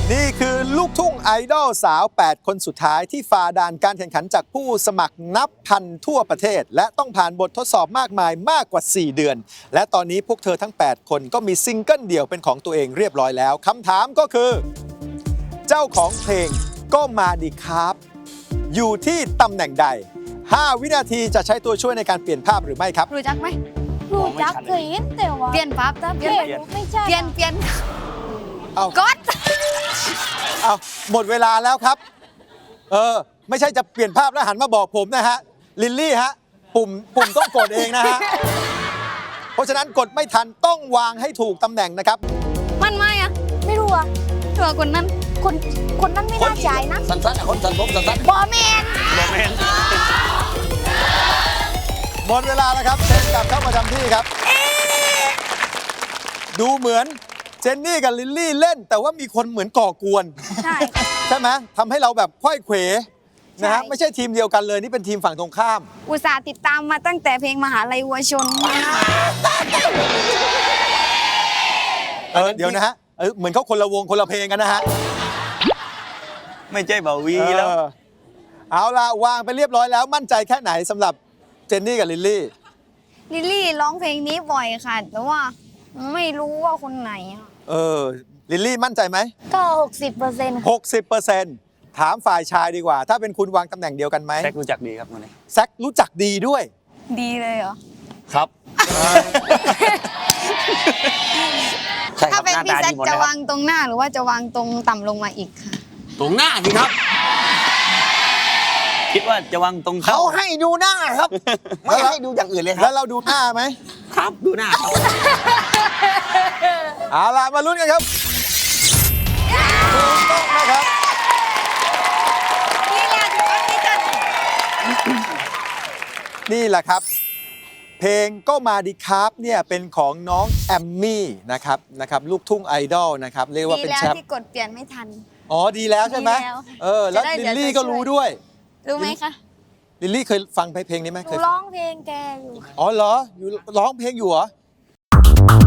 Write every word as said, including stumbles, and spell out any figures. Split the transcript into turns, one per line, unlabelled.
นี่คือลูกทุ่งไอดอลสาว แปด คนสุดท้ายที่ฝ่าด่านการแข่งขันจากผู้สมัครนับพันทั่วประเทศ และต้องผ่านบททดสอบมากมายมากกว่า สี่ เดือน และตอนนี้พวกเธอทั้ง แปด คนก็มีซิงเกิลเดี่ยวเป็นของตัวเองเรียบร้อยแล้วคำถามก็คือ เจ้าของเพลงก็มาดีครับอยู่ที่ตำแหน่งใด ห้า วินาทีจะใช้ตัวช่วยในการเปลี่ยนภาพหรือไม่ครับ
รู้จักไหม
รู้จักเคยเห็นแต่ว่า
เปลี่ยนปั๊บจ้ะเปลี่ยน
เปลี่ยนไม่ใช่
เปลี่ยนเปลี่ยน
เอา
กด
เอาหมดเวลาแล้วครับ เออ ไม่ใช่จะเปลี่ยนภาพแล้วหันมาบอกผมนะฮะ ลิลลี่ฮะ ปุ่มปุ่มต้องกดเองนะฮะ เพราะฉะนั้นกดไม่ทันต้องวางให้ถูกตำแหน่งนะครับ
มันไม่อะ
ไม่รู้อ่ะ
ตัวคนนั้น
คนคนนั้นไม่น่าจ่ายนะ
สั้นๆอ่ะคนสั้นผมสั้น
บอแมน
ๆโมเมนต์
หมดเวลาแล้วครับเชิญกลับเข้าประจำที่ครับ ดูเหมือนเจนนี่กับลิลลี่เล่น แต่ว่ามีคนเหมือนก่อกวน
ใช่
ใช่ไหมทำให้เราแบบค่อยเขวนะฮะ
ใช่
ไม่ใช่ทีมเดียวกันเลยนี่เป็นทีมฝั่งตรงข้าม
อุตส่าห์ติดตามมาตั้งแต่เพลงมหาลัยวัวชน
เออเดี๋ยวนะฮะเออเหมือนเขาคนละวงคนละเพลงกันนะฮะ
ไม่ใช่บ่าวีแล้ว
เออเอาล่ะ วางไปเรียบร้อยแล้วมั่นใจแค่ไหนสำหรับเจนนี่กับลิลลี่
ลิลลี่ร้องเพลงนี้บ่อยค่ะ แต่ว่าไม่รู้ว่าคนไหนอะ
เออลิลลี่มั่นใจไหม
ก็หกสิบเปอร์เซ็นต์
หกสิบเปอร์เซ็นต์ถามฝ่ายชายดีกว่า ถ้าเป็นคุณวางตำแหน่งเดียวกันไหม
แซกรู้จักดีครับคนนี้
แซครู้จักดีด้วย
ดีเลยเหรอ
ครับใช่ค
ถ้า
รับ
เป็น
หน้า
พี่
ตา
แซ
ดี
ค
หมด
จะ
เลยครับ
วางตรงหน้าหรือว่าจะวางตรงต่ำลงมาอีกค่ะ
ตรงหน้าสิครับ คิดว่าจะวางตรง
เขา
เขา
ให้ดูหน้าครับ ไม่ให้ดูอย่างอื่นเลยค
แล้
รับ
วเราดูหน้าไหม
ครับดูหน้าครับ
เอาล่ะมาลุ้นกันครับถูกต้องนะครับ
นี่แหละถูกต้องที่จะ
นี่แหละครับ เพลงก็มาดีครับเนี่ยเป็นของน้องแอมมี่นะครับนะครับลูกทุ่งไอดอลนะครับเรียกว่า
ดี
เป็น
แล้ว
แชมป์
ที่กดเปลี่ยนไม่ทัน
อ๋อดีแล้วใช่ไหม
ดีแล้ว
เออแล้ว
จะได้
ลิ
เดี๋
ล
ยว
ลี่
จะ
ก็
ช่วย
รู้ด้วย
รู้ไหมคะ
ลิลลี่เคยฟังเพลงนี้ไหม
หนู
เคย
ร้องเพลงแกอยู่
อ๋อเหรออยู่ร้องเพลงอยู่เหรอ